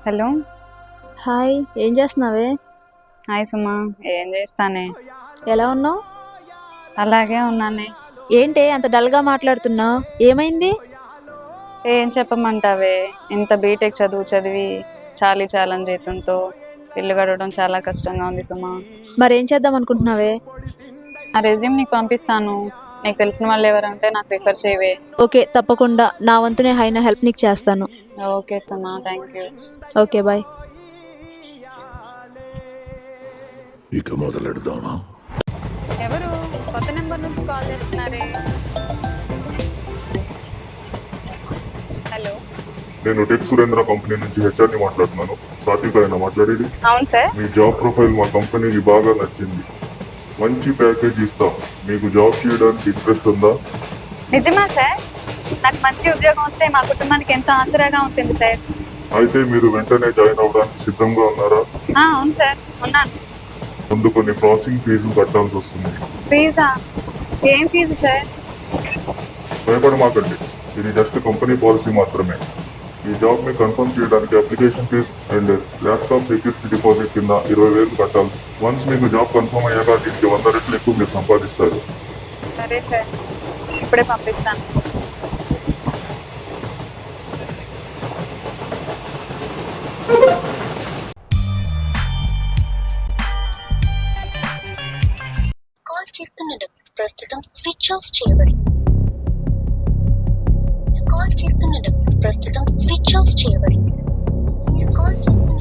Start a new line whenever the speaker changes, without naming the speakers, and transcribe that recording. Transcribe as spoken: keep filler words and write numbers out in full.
Hello.
Hi, ఏం చేస్తున్నావే?
Hi Suma. ఏం చేస్తానే,
ఎలా ఉన్నావు?
అలాగే ఉన్నానే.
ఏంటే అంత డల్గా మాట్లాడుతున్నావు? ఏమైంది?
ఏం చెప్పమంటావే, ఇంత బీటెక్ చదువు చదివి చాలీ చాలని జీతంతో ఇల్లు గడవడం చాలా కష్టంగా ఉంది సుమా.
మరేం చేద్దాం అనుకుంటున్నావే?
ఆ రెజ్యూమ్ నీకు పంపిస్తాను. నీకు తెలిసిన వాళ్ళు ఎవరంటే నాకు రిఫర్ చేయవే.
ఓకే, తప్పకుండా. నా వంతు నేను అయిన హెల్ప్ నీకు చేస్తాను.
Okay Suma, thank you.
Okay, bye.
ఇక మొదలెడదామా?
ఎవరు కొత్త నెంబర్ నుంచి కాల్ చేస్తున్నారే? హలో.
నేను టెక్ సురేంద్ర కంపెనీ నుంచి హెచ్ఆర్ని మాట్లాడుతున్నాను. సాత్వికైనా మాట్లాడేది?
అవును సార్.
మీ జాబ్ ప్రొఫైల్ మా కంపెనీకి బాగా నచ్చింది. మంచి ప్యాకేజ్ ఇస్తాం. మీకు జాబ్ చేయడానికి ఇంట్రెస్ట్ ఉందా?
నిజమా సార్? నాకు మంచి ఉద్యోగం వస్తే మా కుటుంబానికి ఎంతో ఆసరాగా ఉంటుంది సార్.
అయితే మీరు వెంటనే జాయిన్ అవ్వడానికి సిద్ధంగా ఉన్నారా?
ఆ, అవును సార్, ఉన్నాను.
ముందు కొన్ని ప్రాసెసింగ్ ఫీజు కట్టాల్సి వస్తుంది.
ఫీజా? ఏం ఫీజు సార్?
భయపడమాకండి, ఇది జస్ట్ కంపెనీ పాలసీ మాత్రమే. ఈ జాబ్ ని కన్ఫర్మ్ చేయడానికి application fee and laptop security deposit కింద ఇరవై వేలు కట్టాలి. వన్స్ మీకు జాబ్ కన్ఫర్మ్ అయ్యాక దీనికి వంద రెట్లు ఎక్కువ మీరు సంపాదిస్తారు.
సరే సార్, ఇప్పుడే పంపిస్తాను.
కాల్ చేస్తున్న ప్రస్తుతం స్విచ్ ఆఫ్ చేయబడింది. కాల్ చేస్తున్న ప్రస్తుతం స్విచ్ ఆఫ్ చేయబడింది. మీరు కాల్ చేస్తున్న